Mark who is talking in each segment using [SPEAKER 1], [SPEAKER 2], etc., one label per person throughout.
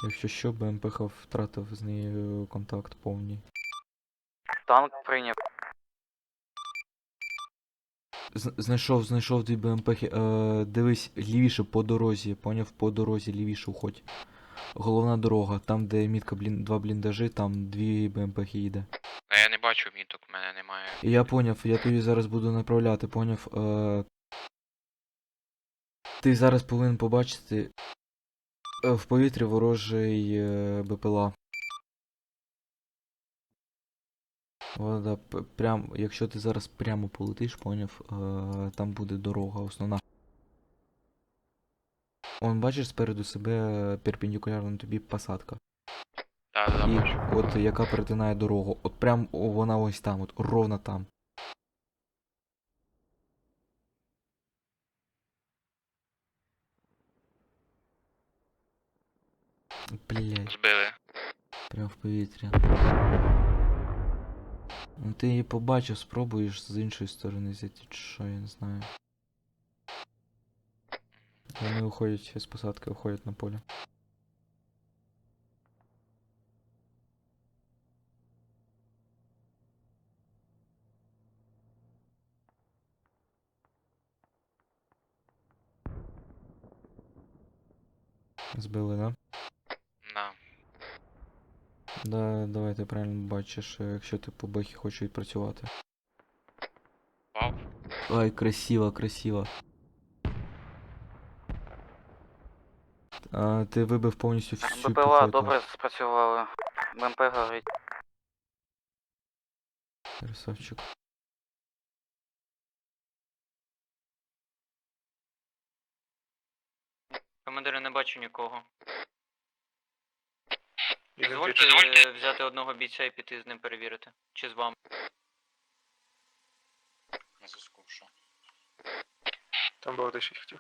[SPEAKER 1] Якщо що, БМПХ втратив з нею контакт повний.
[SPEAKER 2] Танк прийняв.
[SPEAKER 1] Знайшов дві БМПхи. Дивись, лівіше по дорозі, поняв? По дорозі лівіше уходь. Головна дорога, там де мітка два бліндажі, там дві БМПхи їде.
[SPEAKER 3] А я не бачу міток, в мене немає.
[SPEAKER 1] Я поняв, я тобі зараз буду направляти, поняв? Ти зараз повинен побачити в повітрі ворожий БПЛА. Вода, якщо ти зараз прямо полетиш, поняв, там буде дорога основна. Он, бачиш спереду себе перпендикулярно тобі посадка.
[SPEAKER 3] Так,
[SPEAKER 1] І
[SPEAKER 3] бачу.
[SPEAKER 1] от яка перетинає дорогу. От прям вона ось там, от ровно там. Блять,
[SPEAKER 3] Збили.
[SPEAKER 1] прям в повітрі. Ну ти її побачив, спробуєш з іншої сторони зайти, чи що, я не знаю. Вони виходять з посадки, виходять на поле. Збили, да?
[SPEAKER 3] На.
[SPEAKER 1] Да, давай ти правильно бачиш, якщо ти по бехі хочеш відпрацювати.
[SPEAKER 3] Вау.
[SPEAKER 1] Ай, красиво, красиво. Ти вибив повністю всю
[SPEAKER 2] БПЛА
[SPEAKER 1] піхоту.
[SPEAKER 2] добре спрацювали. БМП горить.
[SPEAKER 1] Красавчик.
[SPEAKER 2] Командири, не бачу нікого.
[SPEAKER 3] Дозвольте
[SPEAKER 2] Дозвольте взяти одного бійця і піти з ним перевірити. Чи з вами?
[SPEAKER 3] На зв'язку, що?
[SPEAKER 4] Там було те, що я хотів.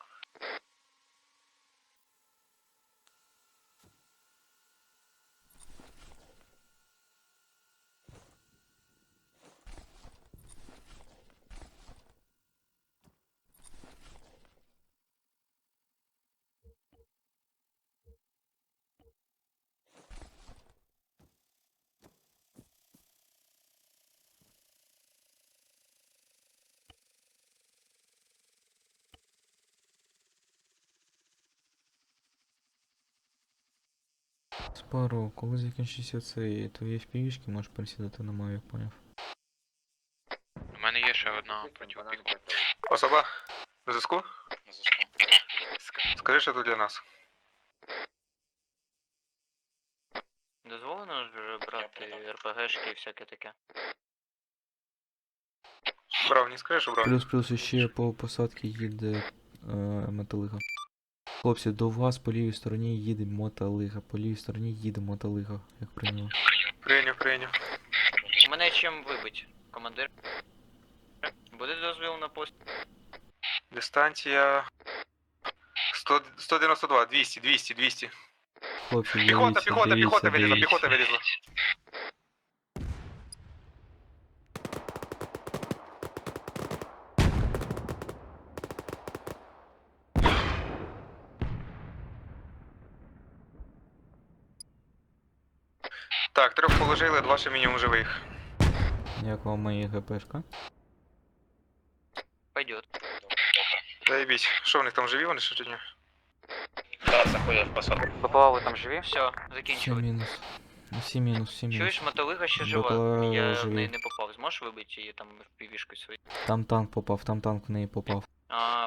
[SPEAKER 1] Спару, коли закінчиться цей твої впівішки, можеш присідати на мою, поняв?
[SPEAKER 3] У мене є ще одна протипіхотна.
[SPEAKER 4] Особа? На зв'язку?
[SPEAKER 3] На зв'язку.
[SPEAKER 4] Скажи, що тут для нас.
[SPEAKER 2] Дозволено ж брати РПГшки і всяке таке.
[SPEAKER 4] Брав, не скажеш, що брав?
[SPEAKER 1] Плюс ще по посадці їде мотолига. Хлопці, до вас по лівій стороні їде мотолига. По лівій стороні їде мотолига, як прийняв.
[SPEAKER 4] Прийняв.
[SPEAKER 2] У мене чим вибить, командир? Буде дозвіл на пост?
[SPEAKER 4] Дистанція... 192, 200.
[SPEAKER 1] Хлопці,
[SPEAKER 4] Піхота,
[SPEAKER 1] дивіться,
[SPEAKER 4] піхота вилізла,
[SPEAKER 1] дивіться.
[SPEAKER 4] піхота вилізла. Так, 3 положили, 2 ще мінімум живих.
[SPEAKER 1] Як вам мої ГПшка?
[SPEAKER 2] Пойдет.
[SPEAKER 4] Заєбіть. Що в них там живі вони ще чи ні?
[SPEAKER 3] Так, заходять в посадку.
[SPEAKER 2] БПЛА, ви там живі? Все,
[SPEAKER 1] Всі
[SPEAKER 2] закінчили.
[SPEAKER 1] мінус. Всі мінус.
[SPEAKER 2] Чуєш, мотолига ще жива.
[SPEAKER 1] БПЛА
[SPEAKER 2] Я в
[SPEAKER 1] живі.
[SPEAKER 2] неї не попав. Зможеш вибити її там в півішку свою?
[SPEAKER 1] Там танк попав, там танк в неї попав.
[SPEAKER 2] А,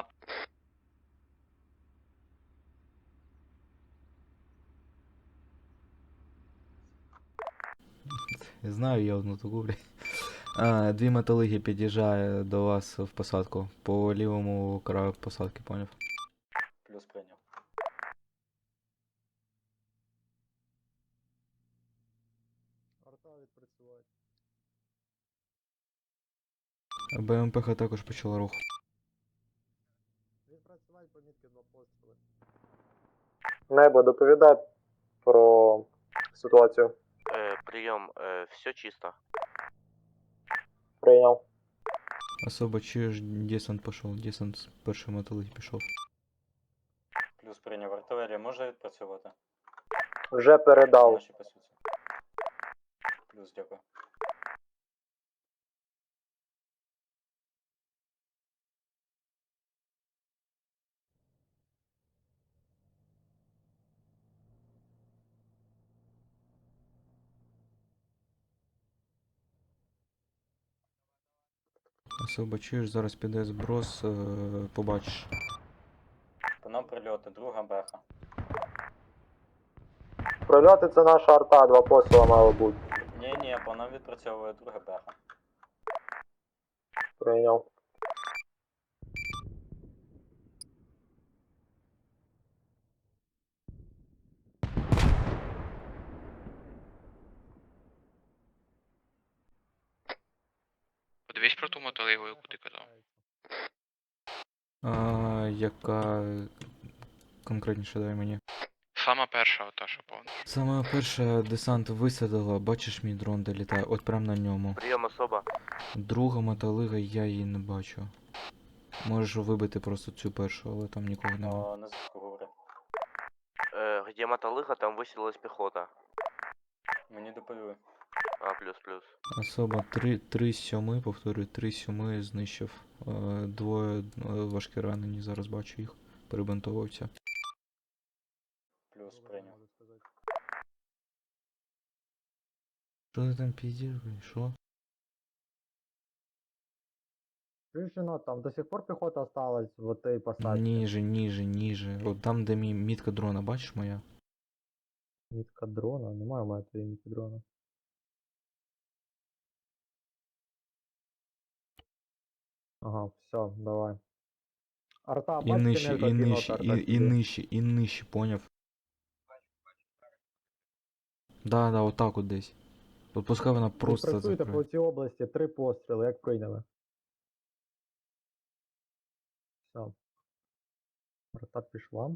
[SPEAKER 1] Я знаю, я одну таку, блядь. Дві мотолиги під'їжджає до вас в посадку. По лівому краю посадки, поняв?
[SPEAKER 5] Плюс прийняв.
[SPEAKER 1] БМПХ також почала рух.
[SPEAKER 6] Небо, доповідай про ситуацію.
[SPEAKER 7] Прийом, все чисто.
[SPEAKER 6] Прийняв.
[SPEAKER 1] Особо чуєш, десант пішов, десант з першої мотолиги пішов.
[SPEAKER 5] Плюс прийняв. Артилерія може відпрацювати?
[SPEAKER 6] Вже передав.
[SPEAKER 5] Наші по суті. Плюс, дякую.
[SPEAKER 1] Особо чуєш, зараз піде зброс, побачиш.
[SPEAKER 5] По нам прильоти, друга беха.
[SPEAKER 6] Прильоти це наша арта, 2 посила мало бути.
[SPEAKER 5] Ні, по нам відпрацьовує друга беха.
[SPEAKER 6] Прийняв.
[SPEAKER 3] Подивись про ту мотолигу, яку ти казав.
[SPEAKER 1] Яка конкретніше дай мені.
[SPEAKER 3] Сама перша, ота, що повна.
[SPEAKER 1] Саме перше десант висадила, бачиш мій дрон де літає, от прям на ньому.
[SPEAKER 7] Прием особо.
[SPEAKER 1] Друга мотолига, я її не бачу. Можеш вибити просто цю першу, але там нікого немає.
[SPEAKER 5] На зв'язку говори.
[SPEAKER 7] Где мотолыга, там высадилась пехота.
[SPEAKER 5] Мені доповіли.
[SPEAKER 7] Плюс.
[SPEAKER 1] Особа 3-7, повторюю, 3-7 знищив. Двоє важкі ранені, зараз бачу їх. Перебинтовуються.
[SPEAKER 5] Плюс прийняв.
[SPEAKER 1] Що ти там піздиш, блін, що?
[SPEAKER 6] Рішено, там до сих пор піхота осталась в тій посадці.
[SPEAKER 1] Ніже. От там, де мітка дрона, бачиш моя?
[SPEAKER 6] Мітка дрона, немає у мене твоєї мітки дрона. Ага, все, давай. Арта,
[SPEAKER 1] І
[SPEAKER 6] бачите,
[SPEAKER 1] нижче, і нижче, поняв? Да, отак от десь. От пускай вона просто
[SPEAKER 6] Працюєте по
[SPEAKER 1] закриє.
[SPEAKER 6] цій області, 3 постріли, як прийняли. Все. Арта пішла.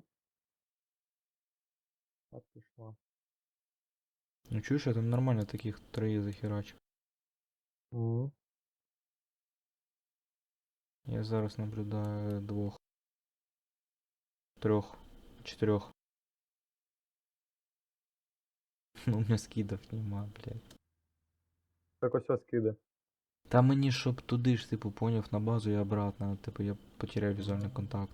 [SPEAKER 6] Арта пішла.
[SPEAKER 1] Ну чуєш, я там нормально таких 3 захерачив.
[SPEAKER 6] Угу.
[SPEAKER 1] Я зараз наблюдаю 2. 3. 4. Ну, у меня скидов нема, блядь.
[SPEAKER 6] Так ось ось скиди.
[SPEAKER 1] Та мені щоб туди ж, типу, поняв, на базу і обратно, типу, я потеряв візуальний контакт.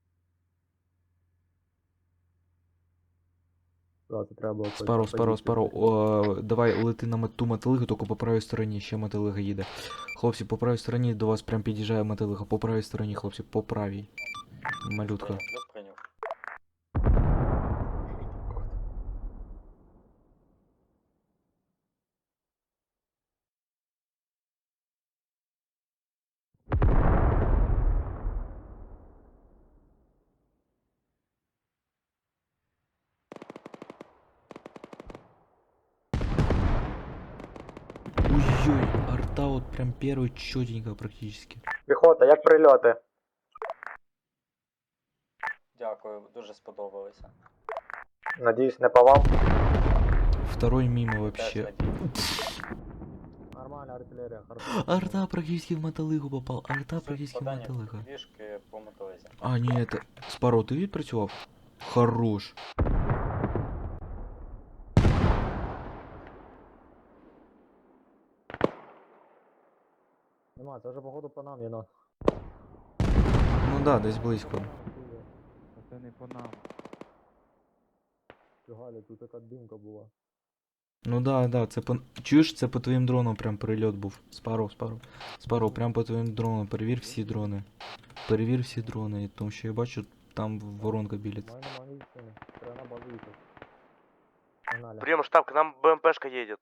[SPEAKER 6] Да, це треба було
[SPEAKER 1] Спаро, давай лети на ту мотилигу, тільки по правій стороні, ще мотилига їде. Хлопці, по правій стороні до вас прям під'їжджає мотилига, по правій стороні, хлопці, по правій. Малютка.
[SPEAKER 5] Плюс прийняв.
[SPEAKER 1] Ой-ой, арта вот прям первый чётенько практически.
[SPEAKER 6] Піхота, як прильоти?
[SPEAKER 5] Дякую, дуже сподобалося.
[SPEAKER 6] Надіюсь, не по вам.
[SPEAKER 1] Второй мимо
[SPEAKER 5] Теж
[SPEAKER 1] вообще.
[SPEAKER 5] надіюсь.
[SPEAKER 6] Нормальна артилерія, хорошо.
[SPEAKER 1] Арта практически в мотолигу попал, арта
[SPEAKER 5] Суть
[SPEAKER 1] практически в
[SPEAKER 5] попадання
[SPEAKER 1] мотолига.
[SPEAKER 5] Трішки по мотолизі.
[SPEAKER 1] А, ні, это... Спаро, ти відпрацював? Хорош.
[SPEAKER 6] Нема, це вже походу по нам, єно.
[SPEAKER 1] Ну да, десь близько.
[SPEAKER 8] Це не по нам.
[SPEAKER 6] Фігалі, тут така димка була.
[SPEAKER 1] Ну да, це по... Чуєш, це по твоїм дронам прям прильот був. Спаро, прям по твоїм дронам. Перевір всі дрони. Перевір всі дрони, тому що я бачу, там воронка білить.
[SPEAKER 6] Нема медицини. Треба на базу їхати. Погнали.
[SPEAKER 7] Прием штаб, к нам БМПшка едет.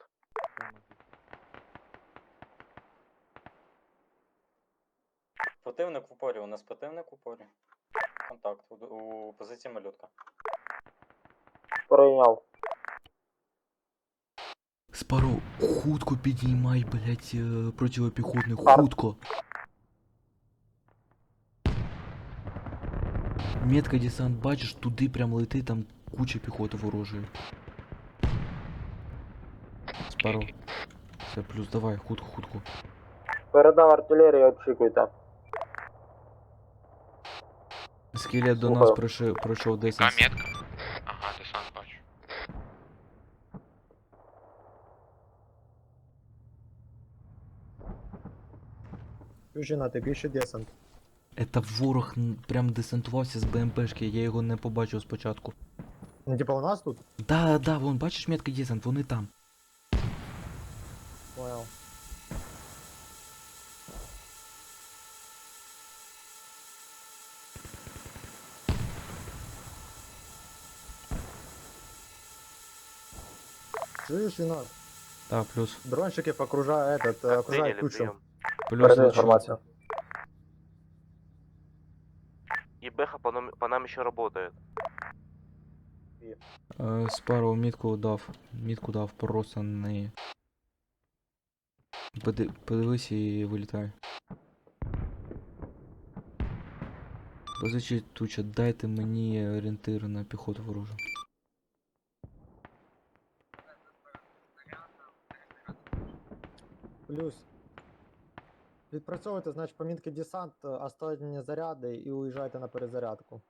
[SPEAKER 5] Противник в упорі, у нас противник в упорі. Контакт у позиції малютка.
[SPEAKER 6] Прийняв.
[SPEAKER 1] Спаро, хутко підіймай, блять, противопіхотний,
[SPEAKER 6] Пар-
[SPEAKER 1] хутко. Метка десант, бачиш, туди прям лети, там куча піхоти ворожої. Спаро. Все, плюс, давай, хутко.
[SPEAKER 6] Передав артилерію, очікуйте.
[SPEAKER 1] Скелет до
[SPEAKER 6] Слухаю.
[SPEAKER 1] нас пройшов
[SPEAKER 3] Яка
[SPEAKER 1] 10.
[SPEAKER 3] метка? Ага, десант бачу.
[SPEAKER 6] Чужина, ти більше десант.
[SPEAKER 1] Это ворог прям десантувався з БМПшки, я його не побачив спочатку.
[SPEAKER 6] Ну, типа у нас тут?
[SPEAKER 1] Да, вон, бачиш метка десант, вони там.
[SPEAKER 6] Понял. Чуєш, Єнот?
[SPEAKER 1] Да, плюс.
[SPEAKER 6] Дронщики окружают
[SPEAKER 7] Приняли,
[SPEAKER 6] кучу.
[SPEAKER 7] прием.
[SPEAKER 1] Плюс лучше.
[SPEAKER 7] И Бэха по нам еще работает.
[SPEAKER 1] Спару мітку дав, просто на неї. Подивись і вилітай. Позичіть туча, дайте мені орієнтир на піхоту ворожу.
[SPEAKER 6] Плюс. Відпрацьовуйте, значить, помітки десант, останні заряди і уїжджайте на перезарядку.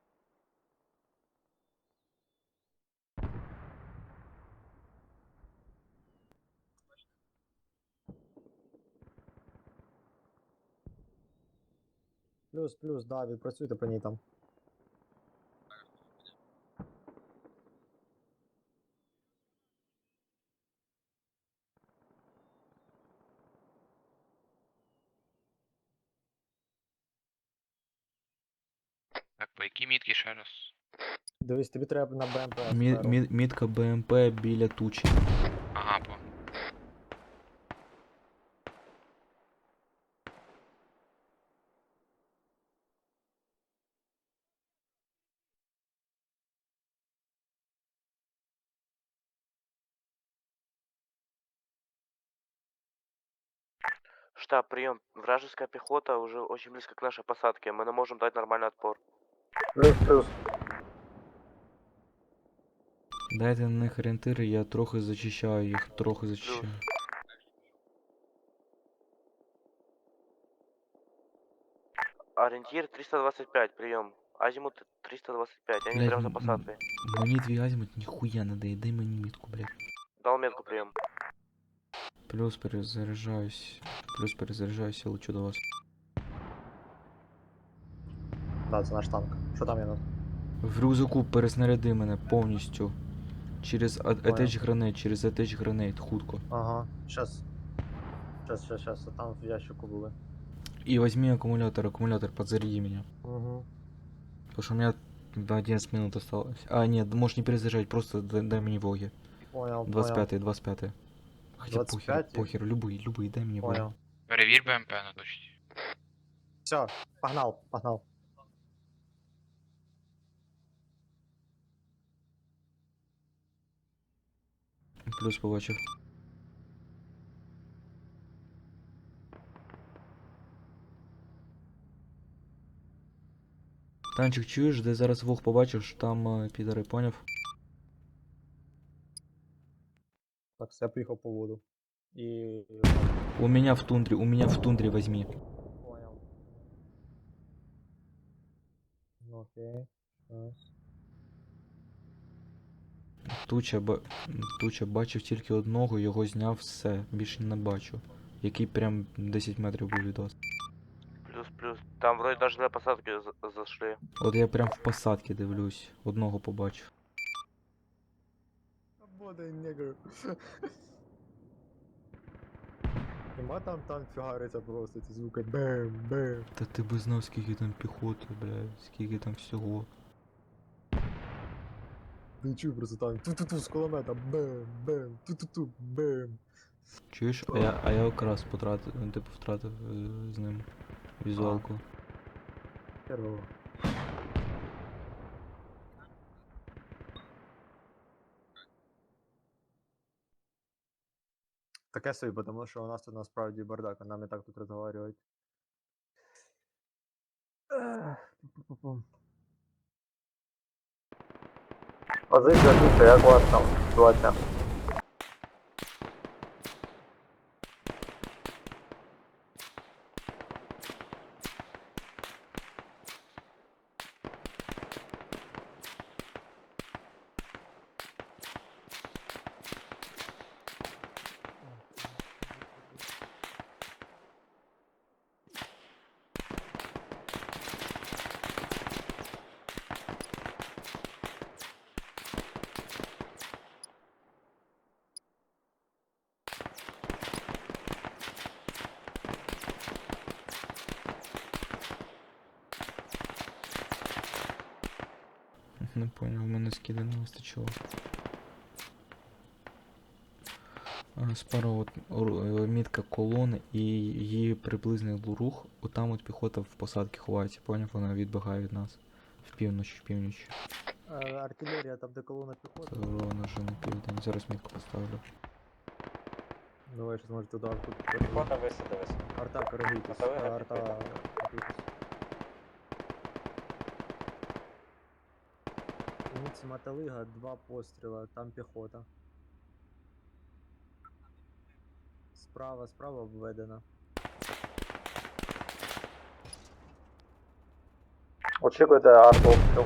[SPEAKER 6] Плюс, да, відпрацюйте по ній там.
[SPEAKER 3] Так, по якій мітки ще раз?
[SPEAKER 6] Дивись, тобі треба на БМП.
[SPEAKER 1] Мітка БМП біля тучі.
[SPEAKER 3] Ага, по.
[SPEAKER 7] Штаб, прием. Вражеская пехота уже очень близко к нашей посадке. Мы не можем дать нормальный отпор.
[SPEAKER 6] Плюс.
[SPEAKER 1] Дайте на них орієнтири, я трохи зачищаю їх, трохи зачищаю.
[SPEAKER 7] Ориентир 325, прием. Азимут 325, они прямо за
[SPEAKER 1] Блядь,
[SPEAKER 7] посадкой.
[SPEAKER 1] мені твій азимут ніхуя не дає, дай мені мітку, блядь.
[SPEAKER 7] Дал метку, прием.
[SPEAKER 1] Плюс перезаряджаюсь, я лечу до вас.
[SPEAKER 6] Да, це наш танк. Що там, Єнот?
[SPEAKER 1] В рюкзаку переснаряди мене повністю. Через attach гранейт, хутко.
[SPEAKER 6] Ага, щас, а там в ящику були.
[SPEAKER 1] И возьми аккумулятор, подзаряди меня.
[SPEAKER 6] Угу.
[SPEAKER 1] Потому что у меня 11 минут осталось. А, нет, можешь не перезаряжать, просто дай мне воги.
[SPEAKER 6] Понял,
[SPEAKER 1] 25-й. Хотя
[SPEAKER 6] 25-й?
[SPEAKER 1] похер, любые, дай мне воги.
[SPEAKER 6] Понял.
[SPEAKER 3] Перевір БМП на точці.
[SPEAKER 6] Все, погнал.
[SPEAKER 1] Плюс побачив. Танчик, чуєш, де зараз вог побачиш, там підари, поняв?
[SPEAKER 6] Так, все, я поїхав по воду. І...
[SPEAKER 1] У меня в тундре возьми.
[SPEAKER 6] Понял. Ну, окей. Раз.
[SPEAKER 1] Туча бачив тільки одного, його зняв, все, більше не бачу. Який прям 10 метрів був від вас.
[SPEAKER 7] Плюс. Там вроде даже на посадке зашли.
[SPEAKER 1] От я прям в посадці дивлюсь, одного побачив.
[SPEAKER 6] Бодай негр. Нема там фігариться просто ці звуки. Бем.
[SPEAKER 1] Та ти би знав, скільки там піхоти, блядь, скільки там всього.
[SPEAKER 6] Не чую просто там ту-ту-ту з кулемета. Бем. Ту-ту-ту. Бем.
[SPEAKER 1] Чуєш? А я якраз втратив з ним візуалку.
[SPEAKER 6] Херово. Таке собі, тому що у нас тут насправді бардак, а нам і так тут розговорюють. Позиція тут, як у вас там ситуація?
[SPEAKER 1] Не поняв, в мене скиди не вистачило. Спарроу, мітка колони і її приблизний рух. Отам от піхота в посадці ховається, поняв? Вона відбігає від нас. В північ.
[SPEAKER 6] Артилерія, там де колона піхоти.
[SPEAKER 1] Ровно вже на південь. Зараз мітку поставлю.
[SPEAKER 6] Давай, щось може туди тут.
[SPEAKER 5] Піхота висадилась.
[SPEAKER 6] Арта коригуйтесь.
[SPEAKER 5] Мотовига
[SPEAKER 6] Арта
[SPEAKER 5] підбита.
[SPEAKER 6] готуйтесь. Ніці Мотовига, 2 постріла, там піхота. Справа обведена.
[SPEAKER 5] Очікуйте артобстріл.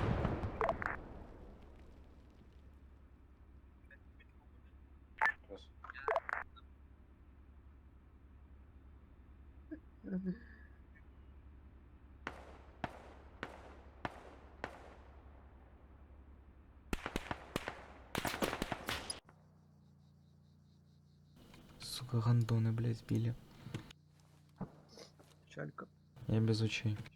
[SPEAKER 1] Сука, гандони, блядь, збили.
[SPEAKER 6] Чалька.
[SPEAKER 1] Я без очей.